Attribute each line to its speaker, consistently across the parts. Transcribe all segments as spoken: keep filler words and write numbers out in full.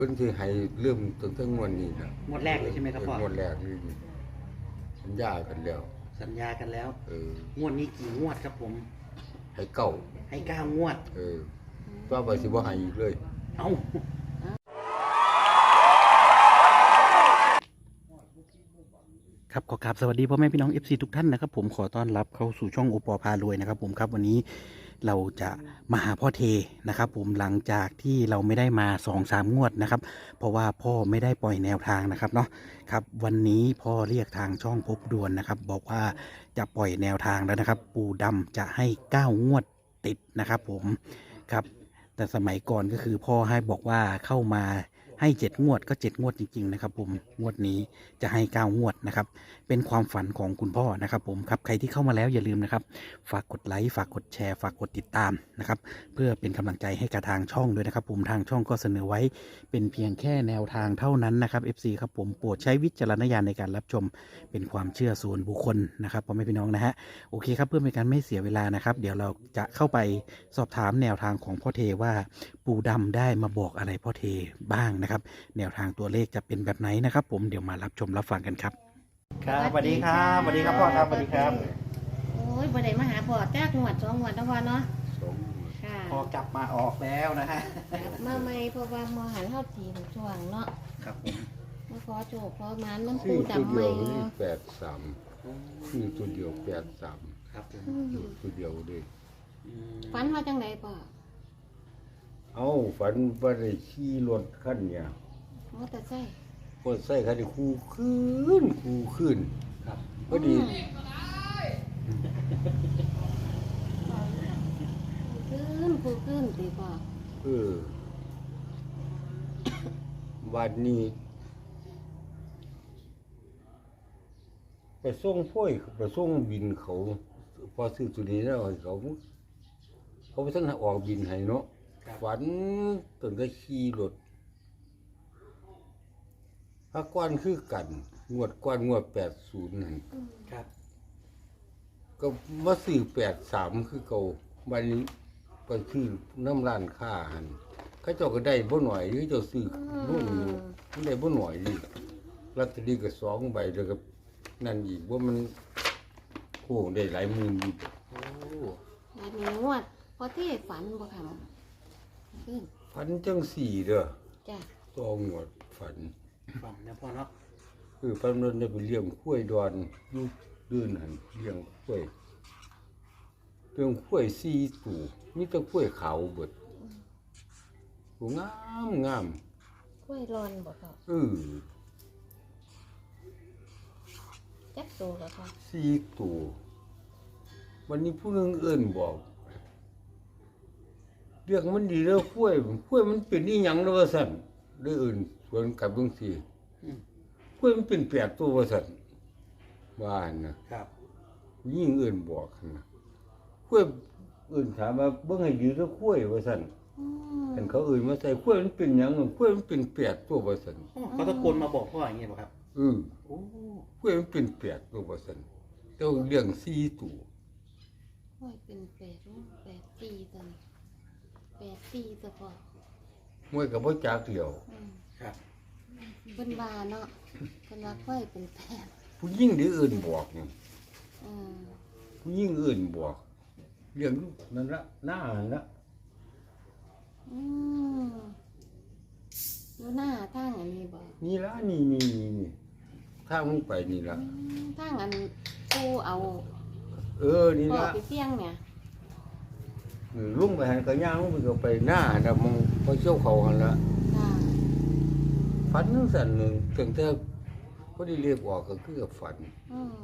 Speaker 1: เพิ่นสิให้เริ่มตั้งแต่งวดนี้นะ
Speaker 2: งวดแรกเลยใช่ไหมครับพ่อง
Speaker 1: วดแรกนี่สัญญากันแล้ว
Speaker 2: สัญญากันแล้ว
Speaker 1: เออง
Speaker 2: วดนี้กี่งวดครับผม
Speaker 1: ให้เก้า
Speaker 2: ให้เก้างวด
Speaker 1: เออต่อไปสิบ่ให้อีกเลย
Speaker 2: เอ้าครับขอกราบสวัสดีพ่อแม่พี่น้อง เอฟ ซี ทุกท่านนะครับผมขอต้อนรับเข้าสู่ช่องโอปอพารวยนะครับผมครับวันนี้เราจะมาหาพ่อเทนะครับผมหลังจากที่เราไม่ได้มา สองสาม งวดนะครับเพราะว่าพ่อไม่ได้ปล่อยแนวทางนะครับเนาะครับวันนี้พ่อเรียกทางช่องพบด่วนนะครับบอกว่าจะปล่อยแนวทางแล้วนะครับปู่ดำจะให้เก้างวดติดนะครับผมครับแต่สมัยก่อนก็คือพ่อให้บอกว่าเข้ามาให้เจ็ดงวดก็เจ็ดงวดจริงๆนะครับผมงวดนี้จะให้เก้างวดนะครับเป็นความฝันของคุณพ่อนะครับผมครับใครที่เข้ามาแล้วอย่าลืมนะครับฝากกดไลค์ฝากกดแชร์ฝากกดติดตามนะครับเพื่อเป็นกำลังใจให้กับทางช่องด้วยนะครับผมทางช่องก็เสนอไว้เป็นเพียงแค่แนวทางเท่านั้นนะครับ เอฟ ซี ครับผมโปรดใช้วิจารณญาณในการรับชมเป็นความเชื่อส่วนบุคคลนะครับพ่อแม่พี่น้องนะฮะโอเคครับเพื่อเป็นการไม่เสียเวลานะครับเดี๋ยวเราจะเข้าไปสอบถามแนวทางของพ่อเทว่าปู่ดำได้มาบอกอะไรพ่อเทบ้างนะครับแนวทางตัวเลขจะเป็นแบบไหนนะครับผมเดี๋ยวมารับชมรับฟังกันครับครับสวัสดีครับสวัสดีครับพ่อครับสวัสดีครับ
Speaker 3: โอ้ยบ่ได้มาหาพ่อจากงวดสองงวดแล้วพ่อเนาะ
Speaker 1: สอง
Speaker 3: ค่ะ
Speaker 2: พอกลับมาออกแล้วนะฮะ
Speaker 3: กลับมาใหม่เพราะว่ามาหันเฮาทีมช่วงเนาะ
Speaker 2: ครับผม
Speaker 3: มาขอโชคขอหมานน้ำปู
Speaker 1: ชื่อตัว
Speaker 3: ดำให
Speaker 1: เดี
Speaker 3: ม่
Speaker 1: ยวนี่แปดสามชื่อตัวเดียวแปดสาม
Speaker 2: ครับผม
Speaker 1: ตัวเดียวเลย
Speaker 3: ฝันว่าจังไดพ่อ
Speaker 1: เอ้าฝันว่าได้ขี่รถคันเนี่ย
Speaker 3: มอเตอร์ไซค์
Speaker 1: พอใส่คันนี้คู่ขึ้นคู่ขึ้น
Speaker 2: ครับ
Speaker 1: พอดี
Speaker 3: ขึ้นผู้ขึ้นติพ่อ
Speaker 1: เออวันนี้ไปส่งพ่อยไปส่งบินเขาพอซื้อตัวนี้แล้วเขาเขาไปทั้งออกบินให้เนาะฝันตั้งแต่ขี่รถถ้าก้อนคือกันงวดก้อนงวดแปดศูนย์นั่น
Speaker 2: ครับ
Speaker 1: ก็มาซื้อแปดสามคือเก่าวันนี้ก็คือน้ำร้านค้าหันเขาเจ้าก็ได้บ่หน่อยเขาเจ้าซื้อรุ่นอยู่มันได้บ่หน่อยนี่ลอตเตอรี่ก็สองใบแล้วก็นั่นอีกว่ามันโอ้ได้หลายหมื่นอยู่
Speaker 2: โอ้
Speaker 3: อันนี้งวดพอเทศฝันบ่ค่ะขึ้น
Speaker 1: ฝันจังสี่เด้อ
Speaker 3: จ้ะ
Speaker 1: ต้องงวดฝัน
Speaker 2: ฝันนะพ่อเนาะ
Speaker 1: คือฝันนั้นได้ไปเลี้ยงข้วยดอนอยู่ดื้นหันเลี้ยงข้วยเลี้ยงข้วยสี่ตัวมีแต่ข้วยขาวเบิดตัวงามงาม
Speaker 3: กล้วยรอนบ่พ่อ
Speaker 1: เออ
Speaker 3: จักโตแล้วพ่อ
Speaker 1: สี่ตัววันนี้ผู้นึงเอิ้นบอกเรียกมันดีแล้วข้วยข้วยมันเป็นอีหยังแล้วว่าซั่นได้เอิ้นสวนกับจังซี่ข้วยมันเป็นแปดตัวว่าซั่นว่าหั่นนะครับยิ่งเอิ้นบอกหั่นนะข้วยเอิ้นถามว่าเบิ่งให้ดีแล้วข้วยว่าซั่นเห็นเขาเอิ้นมาใส่ข้วยมันเป็นหยังข้วยมันเป็นแปดตัวว่าซั่น
Speaker 2: เขาตะโกนมาบอกพ่ออย่างเงี้ยป่ะครับ
Speaker 1: เออโอ้ข้วยมันเป็นแปดตัวว่าซั่นแต่ว่าเลี้ยงสี่ตัว
Speaker 3: ข้วยเป็นแปดแปดปีตัวนี้แปดปีตัวพ่อ
Speaker 1: มวยก็บ่จักเดียว
Speaker 2: ครับ
Speaker 3: เพิ่นว่าเนาะเพิ่นว่าข้วยเป็นแปด
Speaker 1: ผู้หญิงที่อื่นบอกนี่
Speaker 3: อืม
Speaker 1: ผู้หญิงอื่นบอกเรื่องนั่นละหน้านั่นละ
Speaker 3: อืมอยู่หน้าทางอันนี้บ่
Speaker 1: นี่ละนี่นี่นี่นี่ทางมึงไปนี่ละ
Speaker 3: ทางอันกูเอา
Speaker 1: เออนี่ละ
Speaker 3: ไปเสี่ยงเนี่ย
Speaker 1: ลุงไปหันก็ย่างลุงไปก็ไปหน้าน่ะมึงพอเชี่ยวเขาหั่นละฝันจังซั่นนึงตั้งแต่พอได้เรียกออกก็คือกับฝัน
Speaker 3: อืม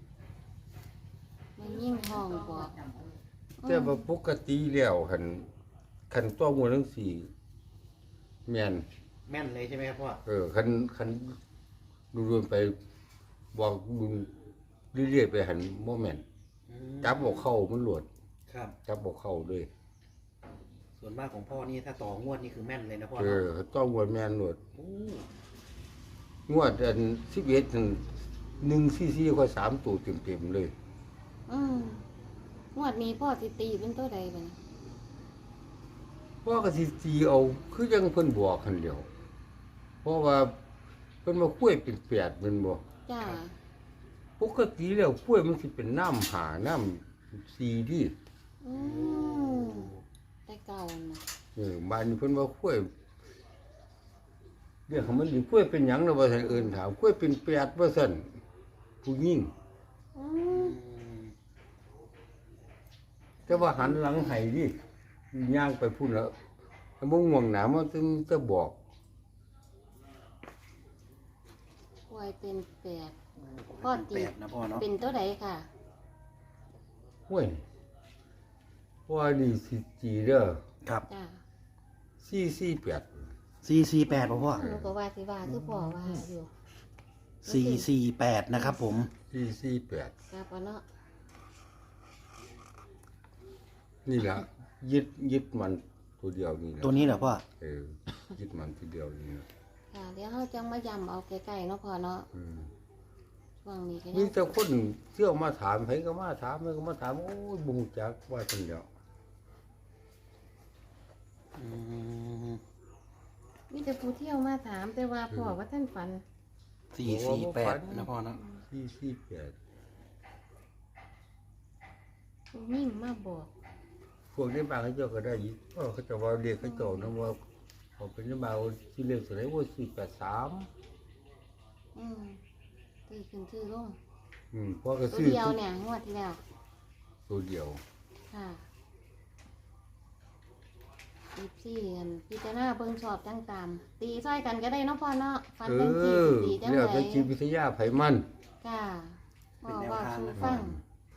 Speaker 3: มันยิ่งห้องบ่
Speaker 1: แต่ว่าปกติแล้วคันคันตัวหมู่จังซี่แม่น
Speaker 2: แม่นเลยใช่ไหมครับพ่อ
Speaker 1: เออคันคันดูๆไปบอกดูเรื่อยๆไปหันบ่แม่นจับบ่เข้ามันหลวด
Speaker 2: ครับ
Speaker 1: จับบ่เข้าด้วย
Speaker 2: ส่วนมากของพ่อนี่ถ้าต่องวดนี่คือแม่นเลยนะพ่อ
Speaker 1: เออต้องงวดแม่นหลวดงวดอันสิบเอ็ดหนึ่งซีซีค่อยสามตัวเต็มๆเลย
Speaker 3: อืมงวดนี้พ่อสิตีเป็นตัวใดบัดนี้
Speaker 1: พ่อก็สิตีเอาคือยังเพิ่นบอกหั่นแหล้วเพราะว่าเพิ่นว่าคุ้วยเป็นแปดแม่นบ่
Speaker 3: จ้า
Speaker 1: ปกติแล้วคุ้วยมันสิเป็นน้ำหาน้ำสีดิ
Speaker 3: อืมแต่เก่าน่ะ
Speaker 1: เออบ้านนี้เพิ่นว่าคุ้วยเรียกเขามันสิคุ้วยเป็นหยังล่ะว่าซั่นเอิ้นถามคุ้วยเป็นแปดว่าซั่นผู้หญิง
Speaker 3: อืม
Speaker 1: แต่ว่าหันหลังให้ดิย่างไปพุ่นแล้วถ้าบ่ง่วงหนามันถึงจะบอก
Speaker 3: ควายเป็นแปดพ่อ
Speaker 2: เป็น
Speaker 3: ตี
Speaker 2: แปดนะพ่อเนาะ
Speaker 3: เป็นตัวใดค่ะ
Speaker 1: ห้วยว่านี่สิจีเด้อ
Speaker 2: ครับ
Speaker 3: จ้า
Speaker 1: สี่สี่แปด
Speaker 2: สี่สี่แปดพ่อ
Speaker 3: หนูก็ว่าสิว่าคือพ่อว่าอยู่
Speaker 2: สี่สี่แปดนะครับผม
Speaker 1: สี่สี่แปด
Speaker 3: ครับว่าเนาะ
Speaker 1: นี่ล่ะยึดยึดมันตัวเดียวนี่นะ
Speaker 2: ตัวนี้เหรอพ่อ
Speaker 1: เออยึดมันตัวเดียวนี่นะ
Speaker 3: ค่ะเดี๋ยวเฮาจังมาย้ำเอาใกล้ๆเนาะพ่อเนาะ
Speaker 1: อืม
Speaker 3: ช่วงนี้ก็
Speaker 1: มี
Speaker 3: ยัง
Speaker 1: แต่คนเที่ยวมาถามไผก็มาถามไผก็มาถามโอ้ยบ่รู้จักว่าจังเดียว
Speaker 2: อืม
Speaker 3: มีแต่ผู้เที่ยวมาถามแต่ว่าพ่อว่าท่านฝัน
Speaker 2: สี่สี่แปดนะพ่อเนาะ
Speaker 1: สี่สี่แปด
Speaker 3: ผู้ยิ่งมาบอก
Speaker 1: พวกนี้บางเขาเจ้าก็ได้ยินเพราะเขาเจะว่าเรียกเขาเจ้านะว่าเขาเป็นบางที่เรียกสมัยว่าสี่แปดสาม
Speaker 3: อืมตีขึ้นชื่อลง
Speaker 1: อืมเพราะก็
Speaker 3: ตัว
Speaker 1: ซื้อ
Speaker 3: เดียวเนี่ยงวดที่แล้ว
Speaker 1: ตัวเดียว
Speaker 3: ค่ะสิบสี่อันพิจารณาเบิ่งชอบจังตาม ตีซ้อยกันก็ได้เนาะพ่อเนาะฟัน
Speaker 1: เอ
Speaker 3: เป็นจี
Speaker 1: อ
Speaker 3: ตีจัง
Speaker 1: เรียก
Speaker 3: ได
Speaker 1: เป็นจิตวิทยาไผมัน
Speaker 3: ค่ะพ่อว่าสู้ฟัง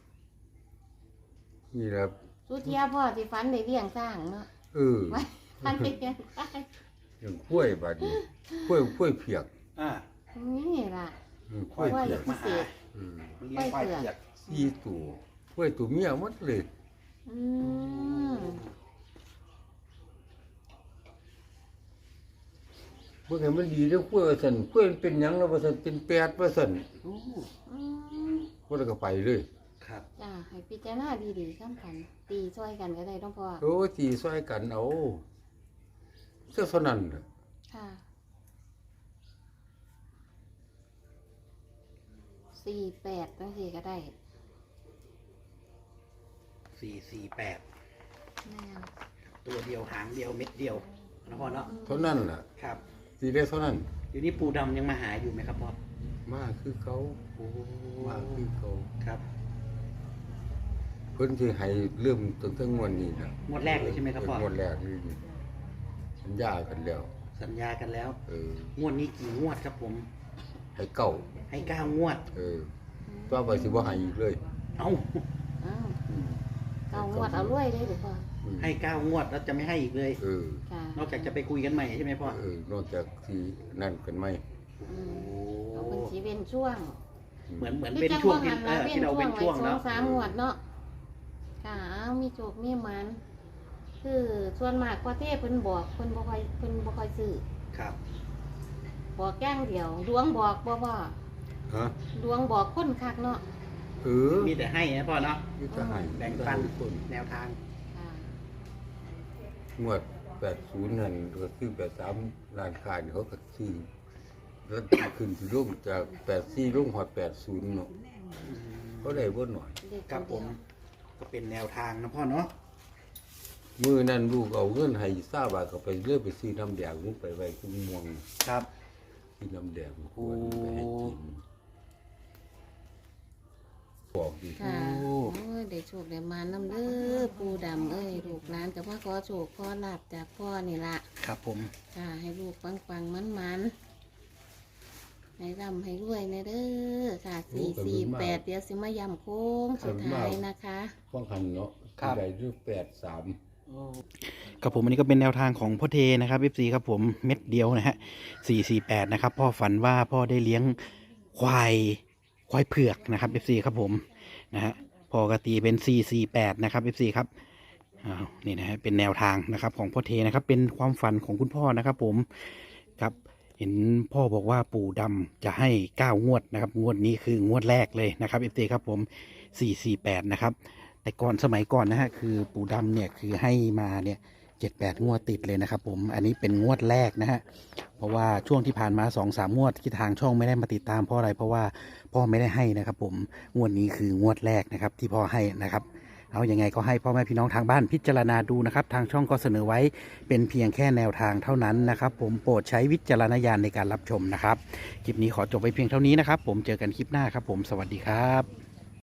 Speaker 1: นี่แหละ
Speaker 3: สุเทียพ่อที่ฟันได้เลี้ยงสร้างเนาะ
Speaker 1: เออ
Speaker 3: ไว้ฟันได้เลี้ยงได้
Speaker 1: อย่างกล้วยบาดนี้กล้วยกล้วยเผือก
Speaker 2: อ่า
Speaker 3: นี่ล่ะ
Speaker 1: อืมกล้วย
Speaker 3: ว่า
Speaker 1: เผื
Speaker 3: อ
Speaker 1: อก
Speaker 3: พิเศษ
Speaker 1: อืม
Speaker 2: เลี้ยงควายเผือก
Speaker 1: สี่ตัวกล้วยตัวเมียหมดเลย
Speaker 3: อืม
Speaker 1: เบิ่งให้มันดีเด้อกล้วยว่าซั่นกล้วยมันเป็นหยังแล้วว่าซั่นเป็นแปดว่าซั่น
Speaker 2: โอ้
Speaker 3: อืม
Speaker 1: บ่ได้ก็ไปเลย
Speaker 2: ครับ
Speaker 3: จ้าให้พิจารณาดีๆข้ามกัน ตีช่วยกันก็ได้ต้องพ่อ
Speaker 1: โอ้ตีซอยกันเอาเสื้อเท่านั้นน่ะ
Speaker 3: ค่ะสี่แปดตั้งสี่ก็ได้
Speaker 2: สี่สี่แปด
Speaker 3: แม่น
Speaker 2: ตัวเดียวหางเดียวเม็ดเดียวนะพ่อเนาะ
Speaker 1: เท่านั้นล่ะ
Speaker 2: ครับ
Speaker 1: ตีได้เท่านั้น
Speaker 2: เดี๋ยวนี้ปู่ดำยังมาหาอยู่ไหมครับพ่อ
Speaker 1: มาคือเขา
Speaker 2: โอ้
Speaker 1: มาคือเขา
Speaker 2: ครับ
Speaker 1: เพิ่นสิให้เริ่มตั้งแต่งวดนี้น่ะ
Speaker 2: งวดแรกเลยใช่ไหมครับพ่อ
Speaker 1: งวดแรกนี่สัญญากันแล้ว
Speaker 2: สัญญากันแล้ว
Speaker 1: เออ
Speaker 2: งวดนี้กี่งวดครับผม
Speaker 1: ให้เก่า
Speaker 2: ให้เก้างวด
Speaker 1: เออต่อไปสิบ่ให้อีกเลย
Speaker 2: เอ้า
Speaker 3: อ้าว
Speaker 1: อืม
Speaker 3: เก้างวดเอารวยเลยเดี๋ยวพ่อ
Speaker 1: อืม
Speaker 2: ให้เก้างวดแล้วจะไม่ให้อีกเลย
Speaker 1: เออ
Speaker 3: ค่ะ
Speaker 2: นอกจากจะไปคุยกันใหม่ใช่ไหมพ่อ
Speaker 1: เออนอกจากที่นั่นกันไหม
Speaker 3: อืมเอาเป็นสีเว้นช่วง
Speaker 2: เหมือนเหมือนเป็นช่วงที่เออที่เราเป็นช่วง
Speaker 3: ไว้สอ
Speaker 2: เนาะ
Speaker 3: งสามงวดเนาะค่ะเอามีโจกมีหมัน คือส่วนมากพ่อเทพเพิ่นบอกเพิ่นบ่ค่อยเพิ่นบ่ค่อยซื้อ
Speaker 2: ครับ
Speaker 3: บอกแก้งเดียว ดวงบอกบ่พ่อ
Speaker 1: ฮะ
Speaker 3: ดวงบอกคนคักเนาะ
Speaker 1: เออ
Speaker 2: มีแต่ให้นะพ่อเนาะ
Speaker 1: มีแต่ให้
Speaker 2: แบ่งปัน
Speaker 1: ทุกคน
Speaker 2: แนวทาง
Speaker 3: ค่ะ
Speaker 1: งวดแปดสิบนั่นก็คือแปดสิบสามร้านค้านี่เขาก็ซื้อแล้วขึ้นที่ลงจากแปดสิบสี่ลงหอดแปดสิบเนาะเขาได้บ่หน่อย
Speaker 3: เด็ก
Speaker 2: ครับ
Speaker 3: น
Speaker 2: ผ
Speaker 3: เดีย
Speaker 2: ม
Speaker 3: ว
Speaker 2: ก็เป็นแนวทางนะพ่อเนาะ
Speaker 1: มือนั่นลูกเอาเงินให้ทราบว่าก็ไปเลือกไปซื้อน้ำแดงลูกไปไว้คุ้มม่วง
Speaker 2: ครับ
Speaker 1: ซื้อน้ำแดงควรไปให้กินบอกดิ
Speaker 3: ค่ะโอ้ยได้โชคได้มาน้ำเด้อปูดำเอ้ยลูกหลานกับพ่อขอโชคขอลาบจากพ่อนี่ละ
Speaker 2: ครับผม
Speaker 3: ค่ะ ให้ลูกปังปังมันมันๆให้ร่ำให้รวยนะเด้อค่ะสี่สี่แปดเดี๋ยวสิมายำโค้งสุดท้ายนะคะ
Speaker 1: ป้องกันเนาะได้ด้วยแปดสาม
Speaker 2: ครับผมอันนี้ก็เป็นแนวทางของพ่อเทนะครับ เอฟ ซี ครับผมเม็ดเดียวนะฮะสี่สี่แปดนะครับพ่อฝันว่าพ่อได้เลี้ยงควายควายเผือกนะครับ เอฟ ซี ครับผมนะฮะพ่อกตีเป็นสี่สี่แปดนะครับ เอฟ ซี ครับอ้าวนี่นะฮะเป็นแนวทางนะครับของพ่อเทนะครับเป็นความฝันของคุณพ่อนะครับผมครับเห็นพ่อบอกว่าปู่ดำจะให้เก้างวดนะครับงวดนี้คืองวดแรกเลยนะครับ เอฟ ซี ครับผมสี่สี่แปดนะครับแต่ก่อนสมัยก่อนนะฮะคือปู่ดำเนี่ยคือให้มาเนี่ยเจ็ดแปดงวดติดเลยนะครับผมอันนี้เป็นงวดแรกนะฮะเพราะว่าช่วงที่ผ่านมาสองสามงวดที่ทางช่องไม่ได้มาติดตามเพราะอะไรเพราะว่าพ่อไม่ได้ให้นะครับผมงวดนี้คืองวดแรกนะครับที่พ่อให้นะครับเอายังไงก็ให้พ่อแม่พี่น้องทางบ้านพิจารณาดูนะครับทางช่องก็เสนอไว้เป็นเพียงแค่แนวทางเท่านั้นนะครับผมโปรดใช้วิจารณญาณในการรับชมนะครับคลิปนี้ขอจบไปเพียงเท่านี้นะครับผมเจอกันคลิปหน้าครับผมสวัสดีครับ